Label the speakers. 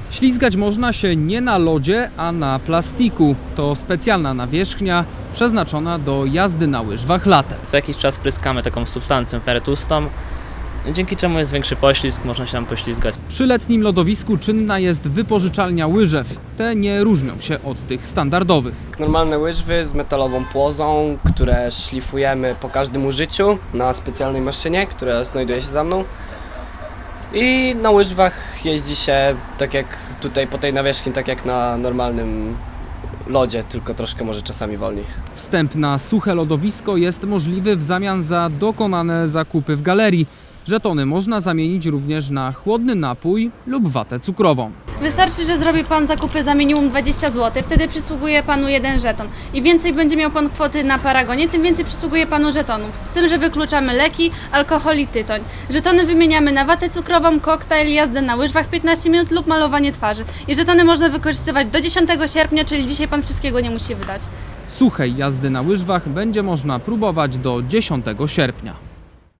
Speaker 1: Ślizgać można się nie na lodzie, a na plastiku. To specjalna nawierzchnia przeznaczona do jazdy na łyżwach latem.
Speaker 2: Co jakiś czas pryskamy taką substancją w miarę tłustą, dzięki czemu jest większy poślizg, można się tam poślizgać.
Speaker 1: Przy letnim lodowisku czynna jest wypożyczalnia łyżew. Te nie różnią się od tych standardowych.
Speaker 3: Normalne łyżwy z metalową płozą, które szlifujemy po każdym użyciu na specjalnej maszynie, która znajduje się za mną. I na łyżwach jeździ się tak jak tutaj po tej nawierzchni, tak jak na normalnym lodzie, tylko troszkę może czasami wolniej.
Speaker 1: Wstęp na suche lodowisko jest możliwy w zamian za dokonane zakupy w galerii. Żetony można zamienić również na chłodny napój lub watę cukrową.
Speaker 4: Wystarczy, że zrobi Pan zakupy za minimum 20 zł, wtedy przysługuje Panu jeden żeton. Im więcej będzie miał Pan kwoty na paragonie, tym więcej przysługuje Panu żetonów. Z tym, że wykluczamy leki, alkohol i tytoń. Żetony wymieniamy na watę cukrową, koktajl, jazdę na łyżwach 15 minut lub malowanie twarzy. I żetony można wykorzystywać do 10 sierpnia, czyli dzisiaj Pan wszystkiego nie musi wydać.
Speaker 1: Suchej jazdy na łyżwach będzie można próbować do 10 sierpnia.